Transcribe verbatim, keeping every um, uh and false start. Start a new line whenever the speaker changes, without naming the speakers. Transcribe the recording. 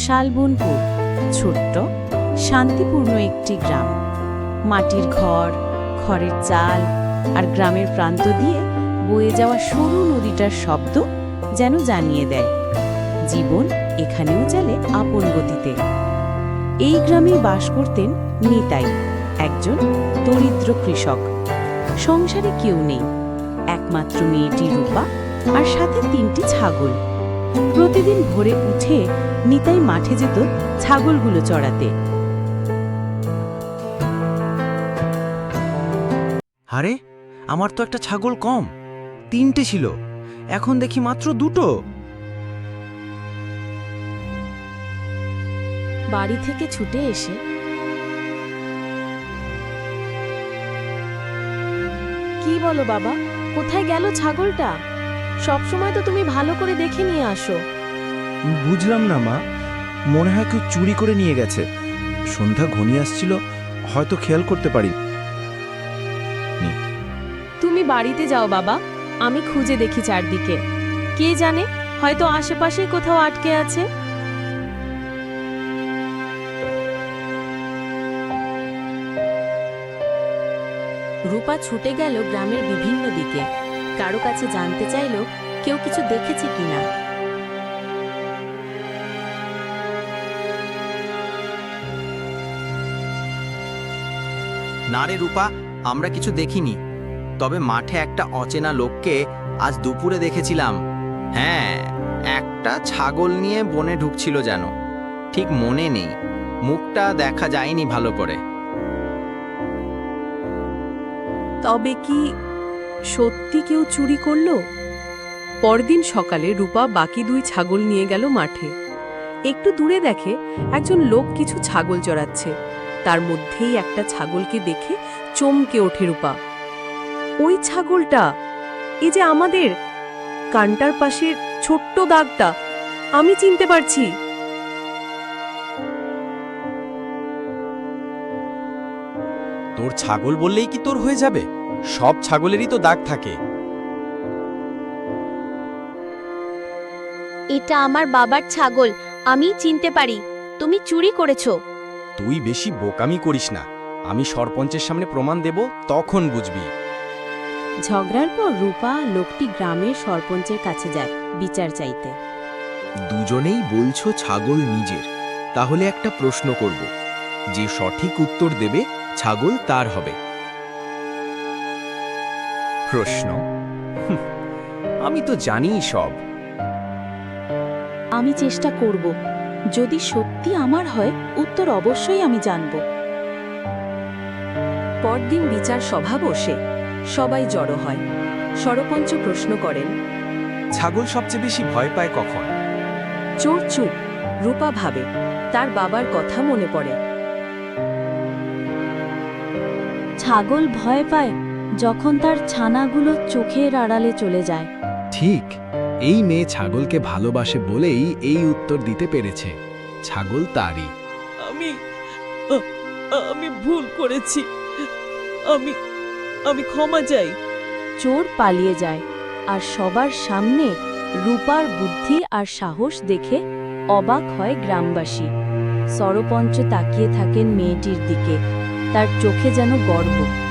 শালবনপুর ছোট্ট শান্তিপূর্ণ একটি গ্রাম। মাটির ঘর, খড়ের চাল আর গ্রামের প্রান্ত দিয়ে বয়ে যাওয়া সরু নদীটার শব্দ যেন জানিয়ে দেয় জীবন এখানেও চলে আপন গতিতে। এই গ্রামে বাস করতেন নিতাই, একজন দরিদ্র কৃষক। সংসারে কেউ নেই, একমাত্র মেয়েটি রূপা আর সাথে তিনটি ছাগল। প্রতিদিন ভোরে উঠে নিতাই মাঠে যেত ছাগলগুলো চড়াতে।
আরে, আমার তো একটা ছাগল কম, তিনটে ছিল, এখন দেখি মাত্র দুটো।
বাড়ি থেকে ছুটে এসে কি বলো বাবা, কোথায় গেল ছাগলটা? সবসময় তো তুমি ভালো করে দেখে নিয়ে আসো।
বুঝলাম না মা, মনে হয় কেউ চুরি করে নিয়ে গেছে। সন্ধ্যা ঘনিয়ে আসছিল, হয়তো খেয়াল করতে পারি।
তুমি বাড়িতে যাও বাবা, আমি খুঁজে দেখি চারদিকে। কে জানে, হয়তো আশেপাশেই কোথাও আটকে আছে। রূপা ছুটে গেল গ্রামের বিভিন্ন দিকে, কারো কাছে জানতে চাইল কেউ কিছু দেখেছে কিনা।
না রে রূপা, আমরা কিছু দেখিনি, তবে মাঠে একটা অচেনা লোককে আজ দুপুরে দেখেছিলাম। হ্যাঁ, একটা ছাগল নিয়ে বনে ঢুকছিল যেন, ঠিক মনে নেই, মুখটা দেখা যায়নি ভালো করে।
তবে কি সত্যি কেউ চুরি করলো? পরদিন সকালে রূপা বাকি দুই ছাগল নিয়ে গেল মাঠে। একটু দূরে দেখে একজন লোক কিছু ছাগল চড়াচ্ছে। তার মধ্যেই একটা ছাগলকে দেখে চমকে ওঠে রূপা। ওই ছাগলটা, এই যে আমাদের কানটার পাশের ছোট্ট দাগটা, আমি চিনতে পারছি।
তোর ছাগল বললেই কি তোর হয়ে যাবে? সব ছাগলেরই তো দাগ থাকে।
এটা আমার বাবার ছাগল, আমি চিনতে পারি। তুমি চুরি করেছো।
তুই বেশি বোকামি করিস না, আমি সরপঞ্চের সামনে প্রমাণ দেব, তখন বুঝবি।
ঝগড়ার পর রূপা লোকটি গ্রামের সরপঞ্চের কাছে যায় বিচার চাইতে।
দুজনেই বলছো ছাগল নিজের, তাহলে একটা প্রশ্ন করব, যে সঠিক উত্তর দেবে ছাগল তার হবে।
প্রশ্ন? হুঁ, আমি তো জানিই সব।
আমি চেষ্টা করব, যদি সত্যি আমার হয় উত্তর অবশ্যই আমি জানব।
পরদিন বিচার সভা বসে, সবাই জড়ো হয়। সরপঞ্চ প্রশ্ন করেন,
ছাগল সবচেয়ে বেশি ভয় পায় কখন?
চোর চুপ। রূপা ভাবে, তার বাবার কথা মনে পড়ে।
ছাগল ভয় পায় যখন তার ছানাগুলো চোখের আড়ালে চলে যায়।
ঠিক, এই মেয়ে ছাগলকে ভালোবাসে বলেই এই উত্তর দিতে পেরেছে। ছাগল তারই।
আমি আমি ভুল করেছি, আমি আমি ক্ষমা চাই।
চোর পালিয়ে যায়, আর সবার সামনে রূপার বুদ্ধি আর সাহস দেখে অবাক হয় গ্রামবাসী। সরপঞ্চ তাকিয়ে থাকেন মেয়েটির দিকে, তার চোখে যেন গর্ব।